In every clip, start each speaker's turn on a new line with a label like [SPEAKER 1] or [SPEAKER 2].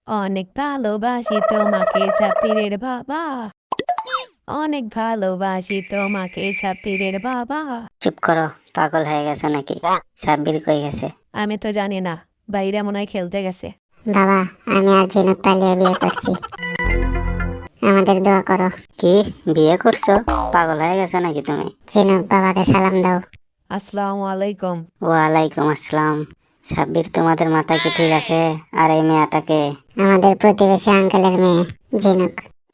[SPEAKER 1] অনেক ভালোবাসি তোমাকে সাব্বিরের বাবা। অনেক ভালোবাসি তোমাকে সাব্বিরের বাবা।
[SPEAKER 2] চুপ করো, পাগল হয়ে গেছে নাকি? সাব্বির কই গেছে?
[SPEAKER 1] আমি তো জানি না, বাইরে মনে হয় খেলতে গেছে।
[SPEAKER 3] বাবা, আমি আর ঝিনুক পালিয়ে বিয়ে করছি, আমাদের দোয়া করো।
[SPEAKER 2] কি বিয়ে করছো? পাগল হয়ে গেছে নাকি তুমি?
[SPEAKER 3] ঝিনুক, বাবাকে সালাম দাও।
[SPEAKER 1] আসসালামু আলাইকুম।
[SPEAKER 2] ওয়ালাইকুম আসসালাম। সাব্বির, তোমাদের মাথা কি ঠিক আছে? আর এই মেয়েটাকে?
[SPEAKER 3] আমাদের প্রতিবেশী আঙ্কেলের মেয়ে ঝিনুক।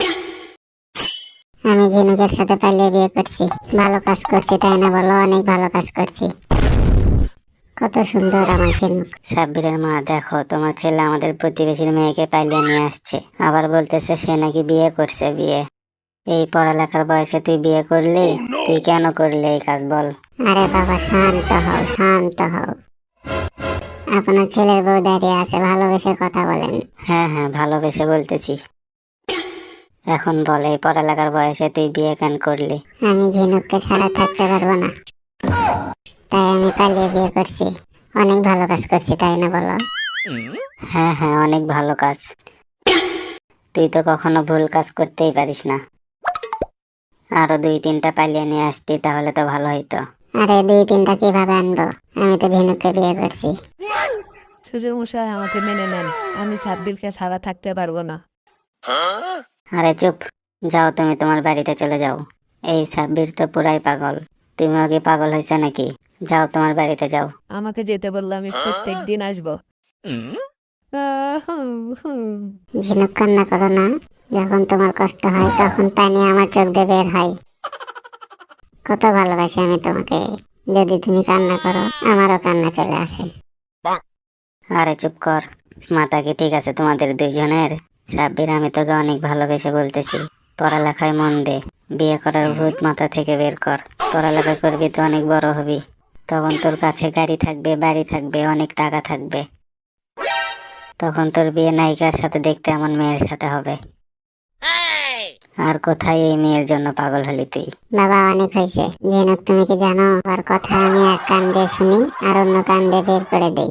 [SPEAKER 3] আমি ঝিনুকের সাথে পালিয়ে বিয়ে করছি। ভালো কাজ করছি, তাই না বলো? অনেক ভালো কাজ করছি। কত সুন্দর আমার ঝিনুক।
[SPEAKER 2] সাব্বিরের মা, দেখো তোমার ছেলে আমাদের প্রতিবেশীর মেয়েকে পালিয়ে নিয়ে আসছে, আবার বলতেছে সে নাকি বিয়ে করছে। বিয়ে? এই পড়ালেখার বয়সে তুই বিয়ে করলি? তুই কেন করলি এই কাজ বল?
[SPEAKER 3] আরে বাবা, শান্ত হও, শান্ত হও। আপনার ছেলের বউ দাঁড়িয়ে আছে, ভালোবেসে কথা বলেন।
[SPEAKER 2] হ্যাঁ হ্যাঁ, ভালোবেসে বলতেছি। এখন বল, এই পড়ালেখার বয়সে তুই বিয়ে কেন করলি?
[SPEAKER 3] আমি ঝিনুককে ছাড়া থাকতে পারবো না, তাই আমি পালিয়ে বিয়ে করছি। অনেক ভালো কাজ করছি, তাই না বলো?
[SPEAKER 2] হ্যাঁ হ্যাঁ, অনেক ভালো কাজ। তুই তো কখনো ভুল কাজ করতেই পারিস না। আরো 2-3টা পালিয়ে নিয়ে আসতি, তাহলে তো ভালো হইতো।
[SPEAKER 3] আরে 2-3টা কিভাবে আনবো? আমি তো ঝিনুককে বিয়ে করছি।
[SPEAKER 1] শ্বশুর মশাই, আমাকে মেনে নেন, আমি সাব্বিরকে ছাড়া থাকতে পারবো না।
[SPEAKER 2] আরে চুপ, যাও তুমি তোমার বাড়িতে চলে যাও। এই সাব্বির তো পুরাই পাগল। তুমি আগে পাগল হয়েছে নাকি? যাও তোমার বাড়িতে যাও।
[SPEAKER 1] আমাকে যেতে বললে আমি প্রত্যেক দিন আসবো।
[SPEAKER 3] ঝিনুক, কান্না করো না। যখন তোমার কষ্ট হয় তখন পানি আমার চোখ দিয়ে বের হয়। কত ভালোবাসি আমি তোমাকে। যদি তুমি কান্না করো, আমারও কান্না চলে আসে।
[SPEAKER 2] আরে চুপ কর, মাথা কি ঠিক আছে তোমাদের দুইজনের? সাব্বির, আমি তোকে অনেক ভালোবেসে বলতেছি, পড়ালেখায় মন দে। বিয়ে করার ভূত মাথা থেকে বের কর। পড়ালেখা করবি তো অনেক বড় হবি, তখন তোর কাছে গাড়ি থাকবে, বাড়ি থাকবে, অনেক টাকা থাকবে। তখন তোর বিয়ে নায়িকার সাথে, দেখতে এমন মেয়ের সাথে হবে। আর কোথায় এই মেয়ের জন্য পাগল হলি তুই?
[SPEAKER 3] বাবা, অনেক হয়েছে। ঝিনুক, তুমি কি জানো আর কথা আমি এক কান দিয়ে শুনি আর অন্য কান দিয়ে বের করে দেই।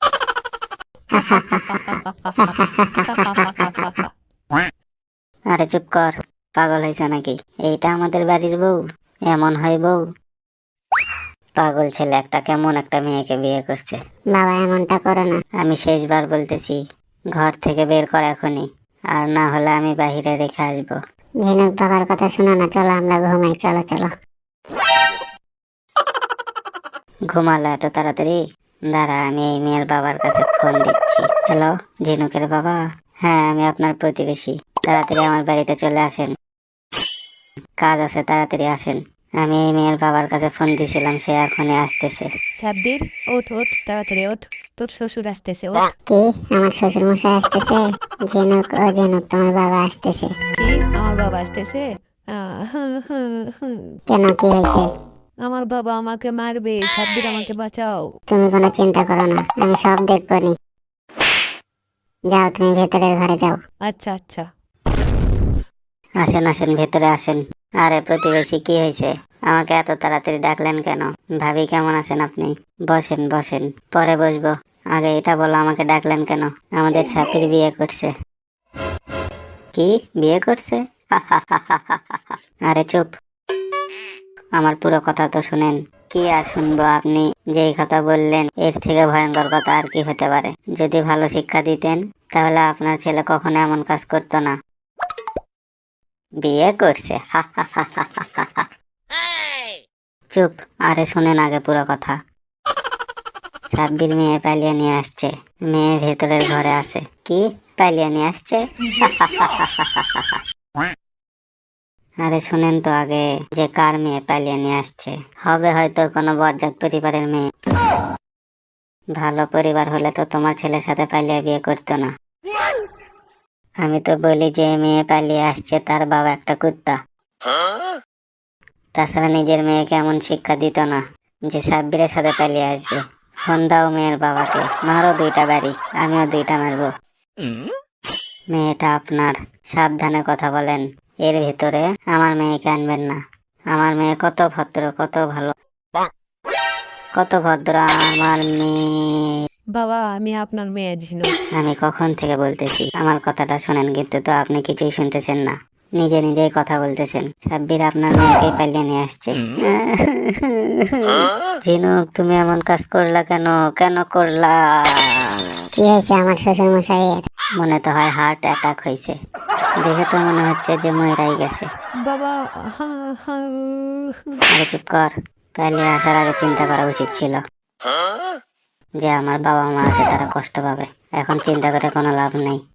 [SPEAKER 2] আরে চুপ কর, পাগল হয়েছে নাকি? এইটা আমাদের বাড়ির বউ? এমন হয় বউ? পাগল ছেলে একটা কেমন একটা মেয়েকে বিয়ে করছে।
[SPEAKER 3] বাবা, এমনটা করো না।
[SPEAKER 2] আমি শেষবার বলতেছি, ঘর থেকে বের কর এখনই, আর না হলে আমি বাহিরে রেখে আসবো।
[SPEAKER 3] ঝিনুক, বাবার কথা শোনো না, চলো আমরা ঘুমাই, চলো চলো।
[SPEAKER 2] ঘুমালো এত তাড়াতাড়ি? দাঁড়া, আমি এই মেয়ের বাবার কাছে ফোন দিচ্ছি। হ্যালো, ঝিনুকের বাবা? হ্যাঁ, আমি আপনার প্রতিবেশী। তাড়াতাড়ি আমার বাড়িতে চলে আসেন, কাজ আছে, তাড়াতাড়ি আসেন। আমি এই মেয়ের বাবার কাছে ফোন দিয়েছিলাম, সে এখনই আসতেছে।
[SPEAKER 1] সাব্বির, ওঠ ওঠ, তাড়াতাড়ি ওঠ, তোর শ্বশুর আসতেছে, ওঠ।
[SPEAKER 3] কি? আমার শ্বশুর মশাই আসতেছে? ঝিনুক, ও ঝিনুক, তোমার বাবা আসতেছে।
[SPEAKER 1] কি? আমার বাবা আসতেছে?
[SPEAKER 3] কেন, কি হয়েছে?
[SPEAKER 1] আমার বাবা আমাকে মারবে, সাব্বির আমাকে বাঁচাও।
[SPEAKER 3] তুমি কোনো চিন্তা করো না, আমি সব দেখবো নি। যাও, তুমি ভেতরের ঘরে যাও।
[SPEAKER 1] আচ্ছা আচ্ছা।
[SPEAKER 2] আসেন আসেন, ভেতরে আসেন। আরে প্রতিবেশী, কি হয়েছে? আমাকে এত তাড়াতাড়ি ডাকলেন কেন? ভাবি, কেমন আছেন আপনি? বসেন বসেন, পরে বসবো। আগে এটা বলো, আমাকে ডাকলেন কেন? আমাদের সাপির বিয়ে করছে। কি বিয়ে করছে? আরে চুপ, আমার পুরো কথা তো শুনেন। কি আর শুনবো? আপনি যেই কথা বললেন, এর থেকে ভয়ঙ্কর কথা আর কি হতে পারে? যদি ভালো শিক্ষা দিতেন, তাহলে আপনার ছেলে কখনো এমন কাজ করতো না। বিয়ে করছে? চুপ, আরে শোনেন আগে পুরো কথা। সাব্বির মেয়ে পালিয়ে নিয়ে আসছে। মেয়ে ভেতরের ঘরে আছে। কি? পালিয়ে নিয়ে আসছে? আরে শুনেন তো আগে, যে কার মেয়ে পালিয়ে নিয়ে আসছে। হবে হয়তো কোনো বজ্জাত পরিবারের মেয়ে। ভালো পরিবার হলে তো তোমার ছেলের সাথে পালিয়ে বিয়ে করতো না। আমি তো বলি, যে মেয়ে পালিয়ে আসছে তার বাবা একটা কুত্তা। তাছাড়া নিজের মেয়েকে এমন শিক্ষা দিত না যে সাব্বিরের সাথে পালিয়ে আসবে। ফোন দাও মেয়ের বাবাকে, মারো 2টা বাড়ি, আমিও 2টা মারবো। মেয়েটা আপনার, সাবধানে কথা বলেন। এর ভিতরে আমার মেয়েকে আনবেন না। আমার মেয়ে কত ভদ্র, কত ভালো, কত ভদ্র আমার মেয়ে।
[SPEAKER 1] বাবা আমি আপনার মেয়ে ঝিনুক।
[SPEAKER 2] আমি কখন থেকে বলতেছি আমার কথাটা শোনেন, কিন্তু তো আপনি কিছুই শুনতেছেন না, নিজে নিজেই কথা বলতেছেন। সাব্বির আপনার মেয়েকে পালিয়ে নিয়ে আসছে। ঝিনুক, তুমি এমন কাজ করলা কেন? কেন করলা?
[SPEAKER 3] কি হয়েছে আমার শ্বশুর মশাইয়ের?
[SPEAKER 2] মনে তো হয় হার্ট অ্যাটাক হয়েছে, দেখে তো মনে হচ্ছে যে মইরাই গেছে।
[SPEAKER 1] বাবা
[SPEAKER 2] আরে চুপ কর, পালিয়ে আসার আগে চিন্তা করা উচিত ছিল যে আমার বাবা মা আছে, তারা কষ্ট পাবে। এখন চিন্তা করে কোনো লাভ নেই।